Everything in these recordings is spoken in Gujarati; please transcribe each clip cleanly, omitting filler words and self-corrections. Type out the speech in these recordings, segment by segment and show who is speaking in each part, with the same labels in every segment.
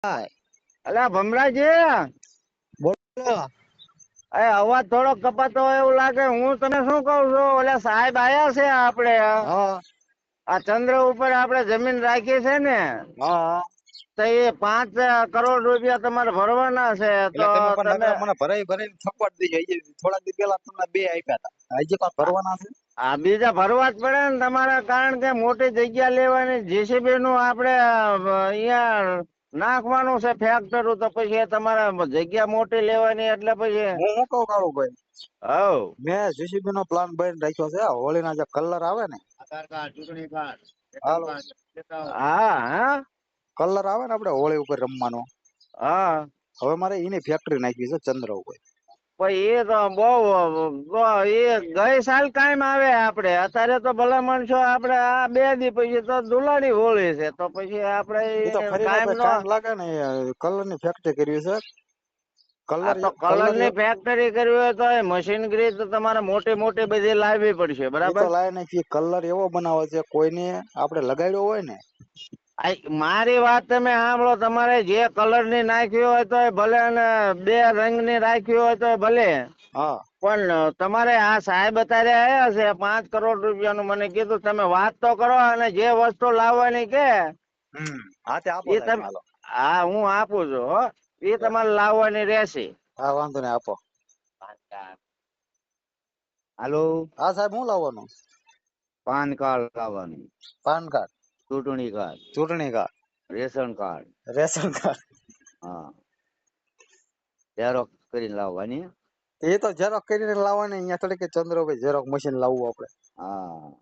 Speaker 1: અલા ભમરાજી,
Speaker 2: બોલો.
Speaker 1: અવાજ થોડો કપાતો હોય એવું લાગે. હું તને શું કઉ છું, ઓલા સાહેબ આયા છે આપડે
Speaker 2: હા
Speaker 1: આ ચંદ્ર ઉપર આપડે જમીન રાખી છે ને,
Speaker 2: હા.
Speaker 1: તો એ 5 કરોડ રૂપિયા તમારે ભરવાના છે.
Speaker 2: એટલે
Speaker 1: તો
Speaker 2: તમે પણ
Speaker 1: તમે
Speaker 2: નકરા મને ભરાઈ ભરાઈ થપડ દઈ જાય. થોડા દી પેલા તમને 2 આપ્યા હતા. હજી પાછા ભરવાના છે.
Speaker 1: આ બીજા ભરવા જ પડે ને તમારે, કારણ કે મોટી જગ્યા લેવાની જેસીબી નું આપડે અહીંયા નાખવાનું છે ફેક્ટરું, તો પછી તમારે જગ્યા મોટી લેવાની એટલે પછી
Speaker 2: હું શું કહું કાળુભાઈ,
Speaker 1: હવ
Speaker 2: મેં જીસીબી નો પ્લાન બની રાખ્યો છે. હોળી ના જે કલર આવે ને,
Speaker 1: આધાર કાર્ડ, ચૂંટણી કાર્ડ, રેશન
Speaker 2: હાલો,
Speaker 1: કાર્ડ. હા હા
Speaker 2: કલર આવે ને આપડે હોળી ઉપર રમવાનો,
Speaker 1: હા.
Speaker 2: હવે મારે એની ફેક્ટરી નાખવી છે ચંદ્ર ઉપર.
Speaker 1: એ તો બહુ એ ગઈ સાલ કાયમ આવે આપડે. અત્યારે તો ભલા માણસો આપડે આ 2 દી પછી તો ધુલાડી હોળી છે, તો પછી આપડે
Speaker 2: એ તો ફરી
Speaker 1: કાયમ
Speaker 2: નાખે
Speaker 1: નો.
Speaker 2: ટાઈમ લાગે ને. કલર ની ફેક્ટરી કરવી છે.
Speaker 1: આ
Speaker 2: કલર
Speaker 1: તો કલર
Speaker 2: કલર
Speaker 1: ની ફેક્ટરી કરવી હોય તો મશીનરી તો તમારે મોટી મોટી બધી લાવવી પડશે,
Speaker 2: એ તો
Speaker 1: બરાબર.
Speaker 2: લાય નાખી. કલર એવો બનાવે છે કોઈને આપડે લગાડ્યો હોય ને.
Speaker 1: મારી વાત તમે સાંભળો. તમારે જે કલર ની નાખવી હોય તો ભલે, અને 2 રંગ ની રાખવી હોય તો ભલે,
Speaker 2: હા
Speaker 1: પણ તમારે આ સાહેબ અત્યારે આવ્યા છે 5 કરોડ રૂપિયાનું મને કીધું. તમે વાત તો કરો, અને જે વસ્તુ લાવવાની કે
Speaker 2: હા તે આપો
Speaker 1: એ
Speaker 2: સાહેબ
Speaker 1: તમે,
Speaker 2: હાલો.
Speaker 1: હા હું આપું છું હો. એ તમારે લાવવાની રહેશે.
Speaker 2: હા વાંધો નઈ, આપો.
Speaker 1: હાલો.
Speaker 2: હા સાહેબ, હું લાવવાનું?
Speaker 1: પાન કાર્ડ લાવવાનું,
Speaker 2: પાન કાર્ડ,
Speaker 1: ચૂંટણી કાર્ડ,
Speaker 2: ચૂંટણી card,
Speaker 1: ration card.
Speaker 2: Ration card.
Speaker 1: હા, ઝેરોક્ષ કરીને લાવવાની.
Speaker 2: એ તો ઝેરોક્ષ કરીને લાવવાની. અહીંયા થોડી કે ચંદ્રભાઈ ઝેરોક્ષ મશીન લાવવું આપડે.
Speaker 1: હા.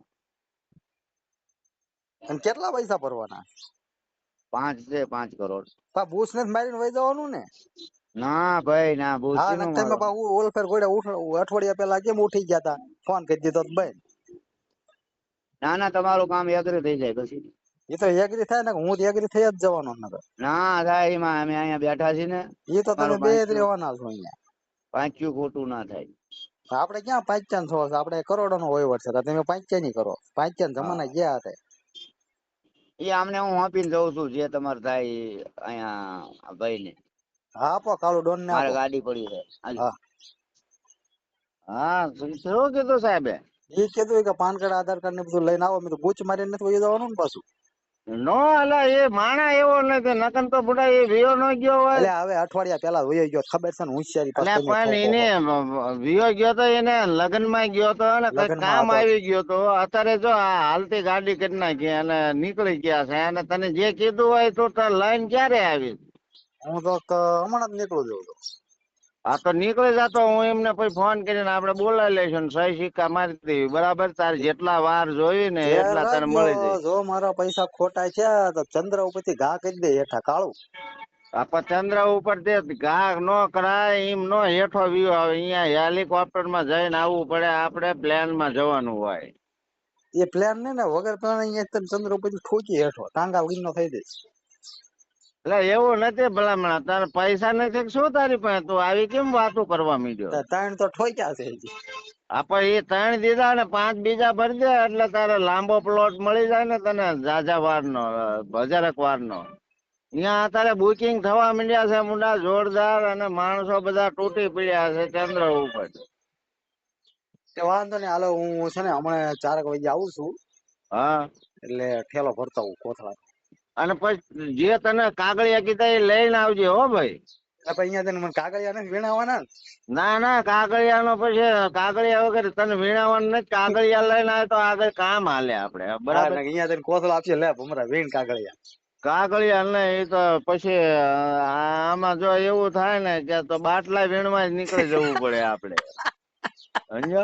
Speaker 2: અને કેટલા પૈસા ભરવાના?
Speaker 1: 5 છે, 5 કરોડ.
Speaker 2: બૂસ નથી મારીને વહી જવાનું ને?
Speaker 1: ના ભાઈ ના,
Speaker 2: હા
Speaker 1: ભૂસી નું
Speaker 2: તમે
Speaker 1: મારવાનું.
Speaker 2: ઓલફેર ગોળે અઠવાડિયા પેલા કેમ ઉઠી ગયા તા? ફોન કરી દીધો ભાઈ.
Speaker 1: ના ના, તમારું કામ એગ્રી થઈ જાય પછી.
Speaker 2: એ તો એગ્રી થાય ને, હું તો એગ્રી થઈ જ જવાનો નકર.
Speaker 1: ના થાય એમાં, અમે અહીંયા બેઠા છીએ ને.
Speaker 2: એ તો તમે
Speaker 1: તમારું
Speaker 2: બે જ રહેવાના છો અહીંયા.
Speaker 1: પાંચું ખોટું ના થાય.
Speaker 2: આપડે ક્યાં 5 છો? આપડે કરોડો નો વહીવટ છે. તમે 5 ની કરો. 5 જમાના
Speaker 1: હા,
Speaker 2: ગયા હતા.
Speaker 1: એ આમને હું આપીને જઉં છું. જે તમારે થાય અહીંયા ભાઈ ને.
Speaker 2: હા આપો, કાળુ ડોન ને
Speaker 1: મારે
Speaker 2: આપો.
Speaker 1: ગાડી પડી છે. હાલો.
Speaker 2: હા
Speaker 1: હા, શું કીધું સાહેબે?
Speaker 2: એ કીધું કે પાન કાર્ડ, આધાર કાર્ડ ને બધું લઈને આવો. મેં તો બૂચ મારીને નથી વહી જવાનું ને પાછું.
Speaker 1: નો અલા, એ માણા એવો નથી. નકન તો બુડા એ વિયો ન ગયો હોય.
Speaker 2: એટલે હવે અઠવાડિયા પેલા વહી ગયો, ખબર છે ને? હોશિયારી પાસ
Speaker 1: એટલે
Speaker 2: તમે
Speaker 1: પણ
Speaker 2: ઠોકો
Speaker 1: એને
Speaker 2: છો.
Speaker 1: વિયો ગયો તો, એને લગ્ન માં ગયો તો ને, કઈ
Speaker 2: લગ્નમાં
Speaker 1: કામ
Speaker 2: હતો.
Speaker 1: આવી ગયો તો. અત્યારે જો આ હાલતી ગાડી કરી નાખી અને નીકળી ગયા છે. અને તને જે કીધું હોય તો લાઈન ક્યારે આવી?
Speaker 2: હું તો હમણાં જ નીકળું છું.
Speaker 1: હા તો નીકળી જતો. હું એમને પછી ફોન કરીને આપડે બોલાવી લઈશું ને સહી સિક્કા મારી દેવી, બરાબર. તારે જેટલા વાર જોઈ ને એટલા તને મળી જાય.
Speaker 2: જો મારા પૈસા ખોટા છે તો ચંદ્ર ઉપરથી ઘા કરી દે હેઠા કાળું.
Speaker 1: ચંદ્ર ઉપર ઘા નો કરાય. એમ નો હેઠો વ્યુ આવે. અહીંયા હેલિકોપ્ટર માં જઈને આવવું પડે. આપડે પ્લેન માં જવાનું હોય.
Speaker 2: એ પ્લેન ને વગર પ્લાન અહીંયા ચંદ્ર ઉપર ઠોકી હેઠો ટાંગા વિનો થઈ જઈશ.
Speaker 1: એટલે એવું નથી ભલામણ. તારે પૈસા નથી શું તારી પાસે? તું આવી કેમ વાતો કરવા માંડ્યો?
Speaker 2: ત્રણ તો ઠોક્યા છે હજી.
Speaker 1: એ 3 દીધા ને 5 બીજા ભરી દે એટલે તારે લાંબો પ્લોટ મળી જાય ને તને. ઝાઝા વાર નો, 1000 વાર નો. ત્યાં અત્યારે બુકિંગ થવા માંડ્યા છે મુંડા જોરદાર. અને માણસો બધા તૂટી પડ્યા છે ચંદ્ર ઉપર.
Speaker 2: વાંધો નઈ, હાલો. હું છે ને હમણાં 4 વાગે આવું છું.
Speaker 1: હા,
Speaker 2: એટલે ઠેલો ભરતા હું કોથળા.
Speaker 1: અને પછી જે તને કાગળિયા કીધા એ લઈને આવજે હો ભાઈ.
Speaker 2: અહીંયા તને મને કાગળિયા નથી વીણાવાના.
Speaker 1: ના ના, કાગળિયા નો પછી કાગળિયા વગર તને વીણાવાનું નથી. કાગળિયા લઈને આવે તો આગળ કામ હાલે આપડે,
Speaker 2: હા,
Speaker 1: બરાબર.
Speaker 2: અહીંયા તને કોથળા આપશે. લે ભમરા વીણ કાગળિયા.
Speaker 1: કાગળિયા ને એ તો પછી આમાં જો એવું થાય ને કે તો બાટલા વીણવા જ નીકળી જવું પડે આપડે, સમજ્યો.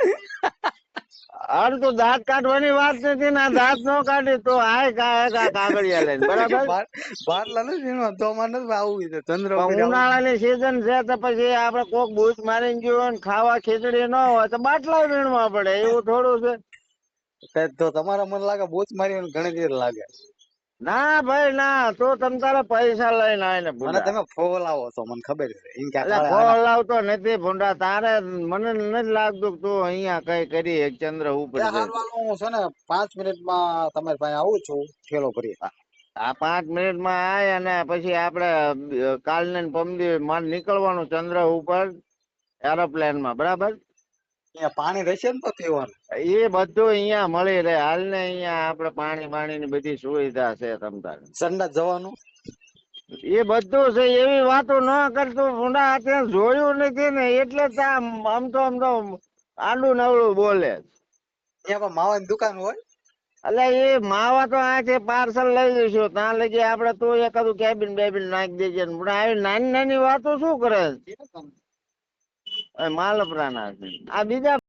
Speaker 1: અરે તો દાંત કાઢવાની વાત નથી ને, દાંત નો કાઢી તો આય કાગળિયા લઈને, બરાબર.
Speaker 2: બાટલા નથી વીણવા તો મારે નથી આવવું છે ચંદ્ર ઉપર
Speaker 1: પણ
Speaker 2: આવું.
Speaker 1: ઉનાળાની સીઝન છે તો પછી આપડે કોક બૂચ મારીને ગયું હોય ને ખાવા ખીચડી ન હોય તો બાટલા વીણવા પડે. એવું થોડું છે.
Speaker 2: તો તમારા મને લાગે બૂચ મારી ઘણી દેર લાગે.
Speaker 1: ના ભાઈ ના, તો તમ તારે પૈસા લઈને આય ને
Speaker 2: મને
Speaker 1: બુડા.
Speaker 2: તમે ફોલાવો છો, મને ખબર છે. એમ કે
Speaker 1: એટલે
Speaker 2: કાળે આના
Speaker 1: ફોન લાવતો નથી ભૂંડા. તારે મને નથી લાગતું તું અહિયાં કઈ કરી ચંદ્ર ઉપર
Speaker 2: એ
Speaker 1: છે.
Speaker 2: હારું હાલો, હું છે ને 5 મિનિટમાં તમારી પાસે આવું છું ઠેલો ભરી.
Speaker 1: આ 5 મિનિટમાં આય અને પછી આપણે કાલને ને પરમદી મારે નીકળવાનું ચંદ્ર ઉપર એરોપ્લેનમાં, બરાબર?
Speaker 2: અહીંયા પાણી રહેશે ને તો પીવાનું?
Speaker 1: એ બધું અહીંયા મળી રહે. હાલ ને અહીંયા આપણે પાણી ની બધી સુવિધા છે તમ તારે.
Speaker 2: સંડાસ જવાનું?
Speaker 1: એ બધું છે. એવી વાતો ન કરતું ઊંડા અત્યારે જોયું નથી ને એટલે જ આમ તો આડું નવળું બોલે.
Speaker 2: ત્યાં પણ માવાની દુકાન હોય?
Speaker 1: એટલે એ માવા તો આ છે પાર્સલ લઈ જઈશું ત્યાં લગી આપડે તું એકાદું કેબિન બેબિન નાખી દેજે ને આવી નાની નાની વાતો શું કરે માલપરાના આ બીજા